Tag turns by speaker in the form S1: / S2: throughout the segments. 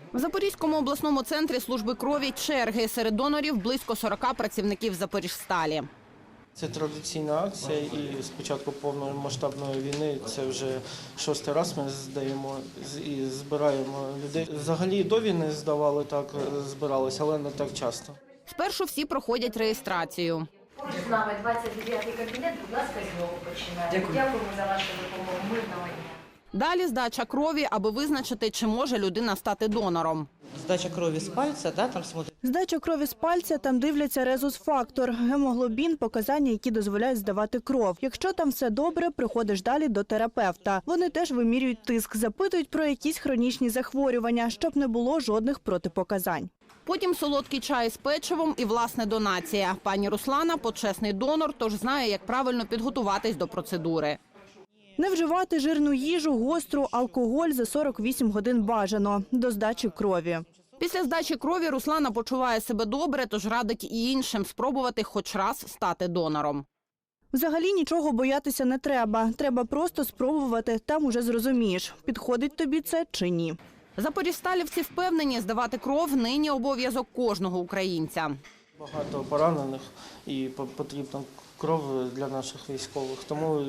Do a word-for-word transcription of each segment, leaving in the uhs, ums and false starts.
S1: В Запорізькому обласному центрі служби крові черги. Серед донорів близько сорока працівників Запоріжсталі.
S2: Це традиційна акція, і з початку повномасштабної війни це вже шостий раз ми здаємо і збираємо людей. Взагалі до війни здавали, так збиралися, але не так часто.
S1: Спершу всі проходять реєстрацію.
S3: З нами двадцять дев'ятий кабінет, будь ласка, з нього починаємо. Дякуємо за вашу допомогу. Мирного дня.
S1: Далі здача крові, аби визначити, чи може людина стати донором.
S4: Здача крові з пальця, да, там смотрять.
S5: Здача крові з пальця, там дивляться резус-фактор, гемоглобін, показання, які дозволяють здавати кров. Якщо там все добре, приходиш далі до терапевта. Вони теж вимірюють тиск, запитують про якісь хронічні захворювання, щоб не було жодних протипоказань.
S1: Потім солодкий чай з печивом і, власне, донація. Пані Руслана – почесний донор, тож знає, як правильно підготуватись до процедури.
S5: Не вживати жирну їжу, гостру, алкоголь за сорок вісім годин бажано до здачі крові.
S1: Після здачі крові Руслана почуває себе добре, тож радить і іншим спробувати хоч раз стати донором.
S5: Взагалі нічого боятися не треба. Треба просто спробувати, там уже зрозумієш, підходить тобі це чи ні.
S1: Запоріжсталівці впевнені, здавати кров нині обов'язок кожного українця.
S2: Багато поранених і потрібна кров для наших військових. Тому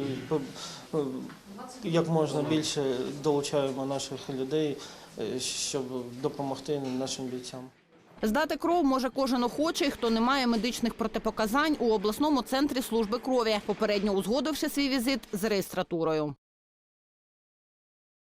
S2: як можна більше долучаємо наших людей, щоб допомогти нашим бійцям.
S1: Здати кров може кожен охочий, хто не має медичних протипоказань у обласному центрі служби крові, попередньо узгодивши свій візит з реєстратурою.